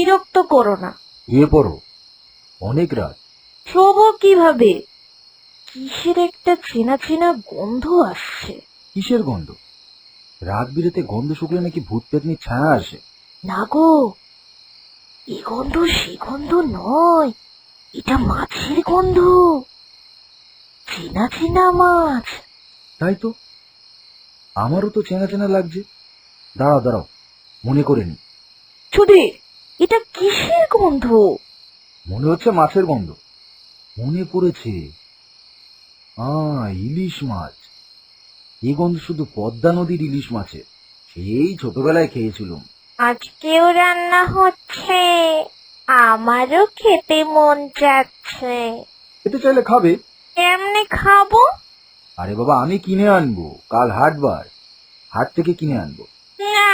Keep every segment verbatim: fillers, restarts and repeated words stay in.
বিরক্ত করো না। শুয়ে পড়ো, অনেক রাত। শোবো কিভাবে? কিসের একটা চেনা চেনা গন্ধ আসছে। কিসের গন্ধ? রাত বিরেতে গন্ধ শুকলে নাকি ভূত পেতনির ছায়া আসে। না গো, এ গন্ধ সে গন্ধ নয়, এটা মাছের গন্ধ। চেনা চেনা মাছ। তাই তো, আমারও তো চেনা চেনা লাগছে। দাঁড়াও দাঁড়াও, মনে করে নি। সুধীর, এটা কিসের গন্ধ? মনে হচ্ছে মাছের গন্ধ। মনে পড়েছে, আহ ইলিশ মাছ। এই গন্ধ শুধু পদ্মা নদীর ইলিশ মাছের। সেই ছোটবেলায় খেয়েছিলাম। আজকেও রান্না হচ্ছে, আমারও খেতে মন যাচ্ছে। খেতে চাইলে খাবে। কেমনে খাবো? আরে বাবা, আমি কিনে আনবো, কাল হাটবার, হাট থেকে কিনে আনবো। না,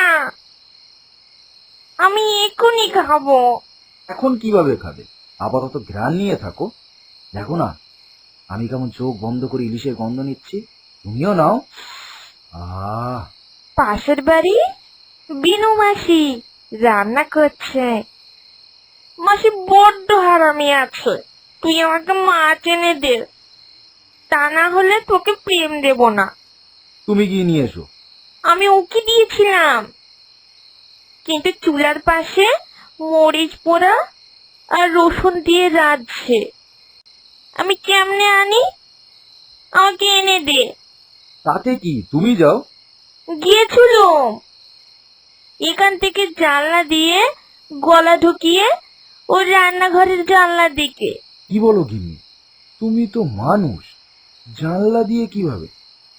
আমি এখনই খাবো। এখন কিভাবে খাবে? আপাতত ঘ্রাণ নিয়ে থাকো। দেখো না, আমি কেমন চোখ বন্ধ করে ইলিশের গন্ধ নিচ্ছি, তুমিও নাও। আহ পাশের বাড়ি বিনু মাসি রান্না করছে। মাসি বড্ড হারামি আছে, তুই আমাকে মাছ এনে দে, তা না হলে তোকে প্রেম দেব না। তুমি গিয়ে নিয়ে এসো। আমি ওকে দিয়েছিলাম, কিন্তু চুলার পাশে মরিচ পোড়া আর রসুন দিয়ে রাঁধছে। আমি কেমনে আনি? আমাকে এনে দে। তাতে কি, তুমি যাও। গিয়েছিল এখান থেকে জানলা দিয়ে গলা ঢুকিয়ে ও রান্নাঘরের জানলার দিকে। কি বলো গিন্নি, তুমি তো মানুষ, জানলা দিয়ে কিভাবে?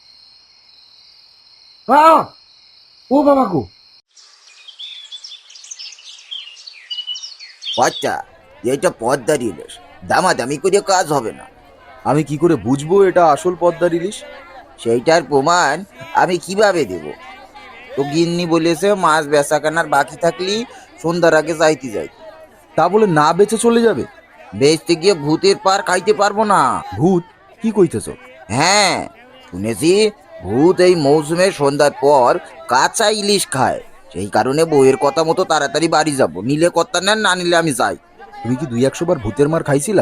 আহ! ও বাবা গো! আচ্ছা, এটা পদ্মার ইলিশ, দামাদামি করে কাজ হবে না। আমি কি করে বুঝবো এটা আসল পদ্মার ইলিশ? সেইটার প্রমাণ আমি কিভাবে দেব? তো গিন্নি বলেছে মাছ বেচা কেনার বাকি থাকলি সন্ধ্যার আগে যাইতে যাই। তা বলে না বেচে চলে যাবে? বেচতে গিয়ে ভূতের পার খাইতে পারবো না। ভূত? কি কইতেছ? হ্যাঁ, শুনেছি ভূত এই মৌসুমে সন্ধ্যার পর কাঁচা ইলিশ খায়। সেই কারণে বউয়ের কথা মতো তাড়াতাড়ি বাড়ি যাব, নিলে কথা নেন, না নিলে আমি যাই। তুমি কি দুই একশো বার ভূতের মার খাইছিলা?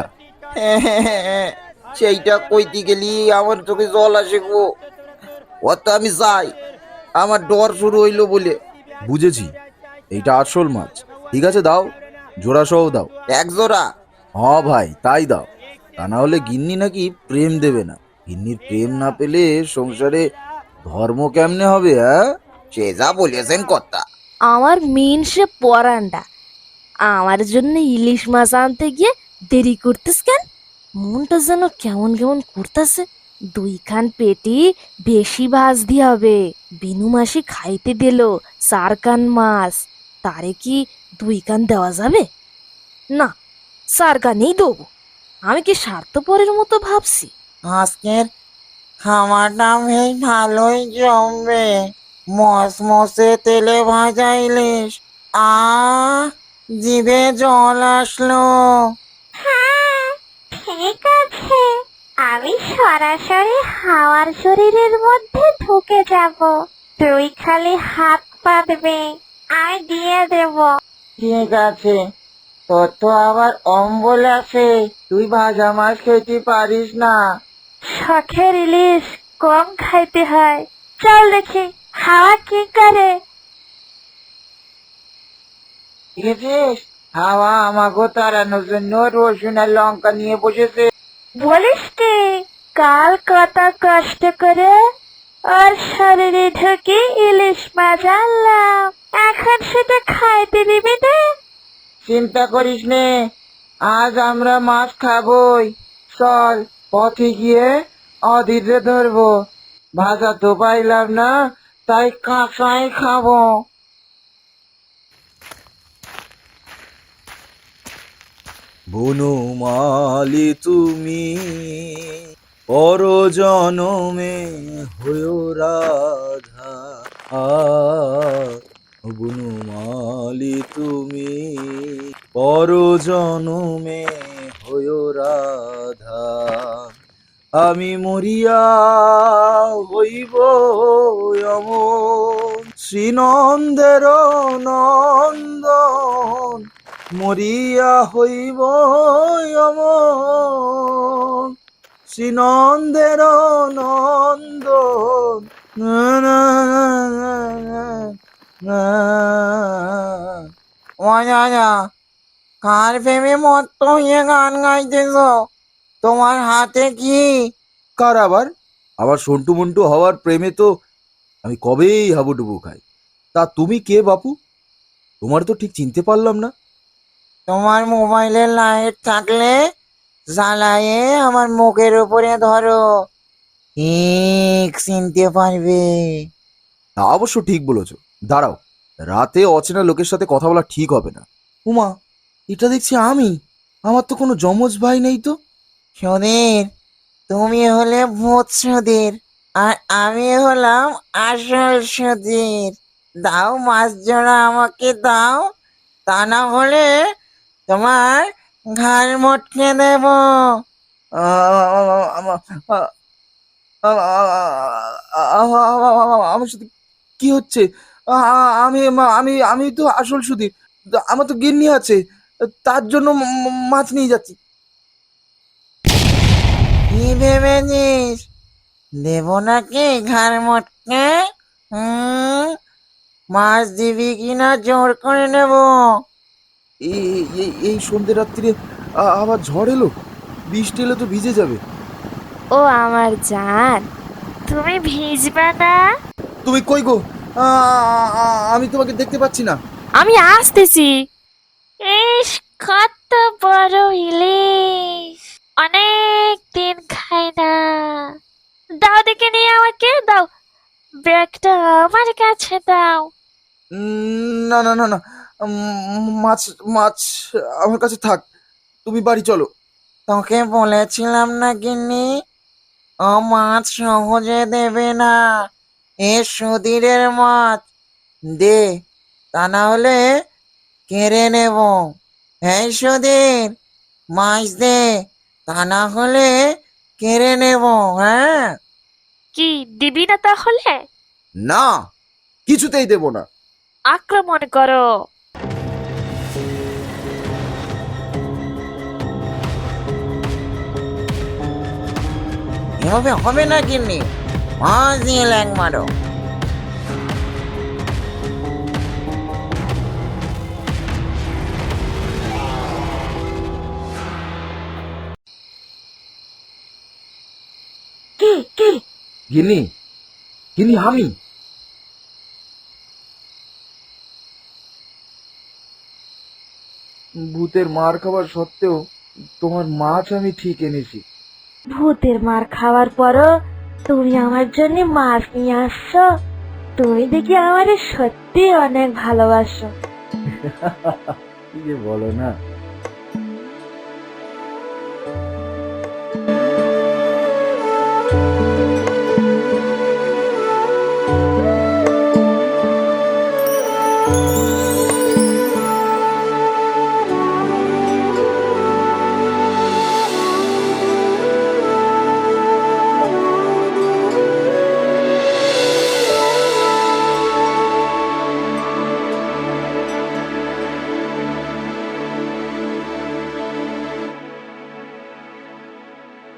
সেইটা কইতে গেলি আমার চোখে জল আসে গো। অত আমি যাই, আমার ডর শুরু হইলো বলে। বুঝেছি, এইটা আসল মাছ। ঠিক আছে, দাও, জোড়া সহ দাও। এক জোড়া? হ ভাই, তাই দাও। তা না হলে গিন্নি নাকি প্রেম দেবে না। গিন্নির প্রেম না পেলে সংসারে ধর্ম কেমনে হবে? হ্যাঁ, সে যা বলেছেন কর্তা। আমার মেন সে পরান্ডা, আমার জন্য ইলিশ মাছ আনতে গিয়ে দেরি করতেস কেন? মনটা যেন কেমন কেমন করতেছে। দুইখান পেটি বেশি ভাজতে হবে। বিনু মাসি খাইতে দিল চার কান মাছ, তারে কি দুই কান দেওয়া যাবে? না, চার কানেই দেবো। আমি কি স্বার্থপরের মতো ভাবছি? আজকের খাবারটা বেশ ভালোই জমবে। মসমসে তেলে ভাজা ইলিশ, আ জিভে জল আসলো। হ্যাঁ, ঠিক আছে, আমি সরাসরি হাওয়ার শরীরের মধ্যে ঢুকে যাব। তুই খালি হাত পাতবি, আমি দিয়ে দেব। ঠিক আছে, তোর তো আবার অম্বল আছে, তুই ভাজা মাছ খেতে পারিস না। শখের ইলিশ কম খাইতে হয়। চল দেখি হাওয়া কি করে। দেখেছিস, হাওয়া আমাকে তাড়ানোর জন্য রসুন আর লঙ্কা নিয়ে বসেছে। বলিস কি, কাল কত কষ্ট করে ওর শরীরে ঢুকে ইলিশ মাছ আনলাম, এখন সেটা খাইতে দিবি না? চিন্তা করিস নে, আজ আমরা মাছ খাবই। চল, পথে গিয়ে অধীরে ধরবো। ভাজা তো পাইলাম না, তাই কাঁচাই খাবো। বনমালী তুমি পর জনমে হয়ো রাধা। আ বনমালী তুমি পর জনমে হয়ো রাধা। আমি মরিয়া হইব অমর শ্রীনন্দের নন্দন মরিয়া হইব অমর শ্রীনন্দের নন্দ না না না না না। ও দাদা, কার প্রেমে মত্ত হয়ে গান গাইতেছ? তোমার হাতে কি? কার আবার? আবার সন্টু মন্টু হওয়ার প্রেমে তো আমি কবেই হাবুডুবু খাই। তা তুমি কে বাপু? তোমার তো ঠিক চিনতে পারলাম না। তোমার মোবাইলের লাইট থাকলে জ্বালায়ে আমার মুখের উপরে ধরো, ঠিক চিনতে পারবে। তা অবশ্য ঠিক বলেছ। দাঁড়াও, রাতে অচেনা লোকের সাথে কথা বলা ঠিক হবে না। উমা, এটা দেখছি আমি। আমার তো কোনো যমজ ভাই নেই তো। সুধীর, তুমি হলে ভূত সুধীর, আর আমি হলাম আসল সুধীর। দাও মাছ জোড়া আমাকে দাও, তা না হলে তোমার ঘাড় মটকে দেব। আমার সাথে কি হচ্ছে? আ- আ- আমি আমি আমি তো আসল সুধীর। আমার তো গিন্নি আছে, তার জন্য ম- ম- মাছ নিয়ে যাচ্ছি। কি ভেবেছিস দেব নাকি ঘাড় মটকে? হুম, মাছ দিবি কিনা জোর করে নেব। এই এই এই সন্ধ্যে রাত্রিরে আ- আবার ঝড় এলো, বৃষ্টি এলে তো ভিজে যাবে। ও আমার জান, তুমি ভিজবে না? তুমি কই গো? আ- আ- আমি তোমাকে দেখতে পাচ্ছি না। আমি আসতেছি। ইস, কত বড় ইলিশ! অনেক দিন খাই না। দাও দেখে নিয়ে আমাকে দাও, ব্যাগটা আমার কাছে দাও। উম, না না না না, উম, মাছ মাছ আমার কাছে থাক, তুমি বাড়ি চলো। তোকে বলেছিলাম না গিন্নি, ও মাছ সহজে দেবে না। এ সুধীরের মাছ, দে, তা না হলে কেড়ে নেব। এই সুধীর, মাছ দে, তা না হলে কেড়ে নেব। হ্যাঁ, কি দিবি না তাহলে? না, কিছুতেই দেব না। আক্রমণ করো। এভাবে হবে না গিন্নি, মাছ দিয়ে ল্যাং মারো। কি কি? গিন্নি, গিন্নি আমি। ভূতের মার খাবার সত্ত্বেও তোমার মাছ আমি ঠিক এনেছি। ভূতের মার খাওয়ার পরও তুমি আমার জন্য মাছ নিয়ে আসছো? তুমি দেখি আমারে সত্যি অনেক ভালোবাসো। কি যে বলো না।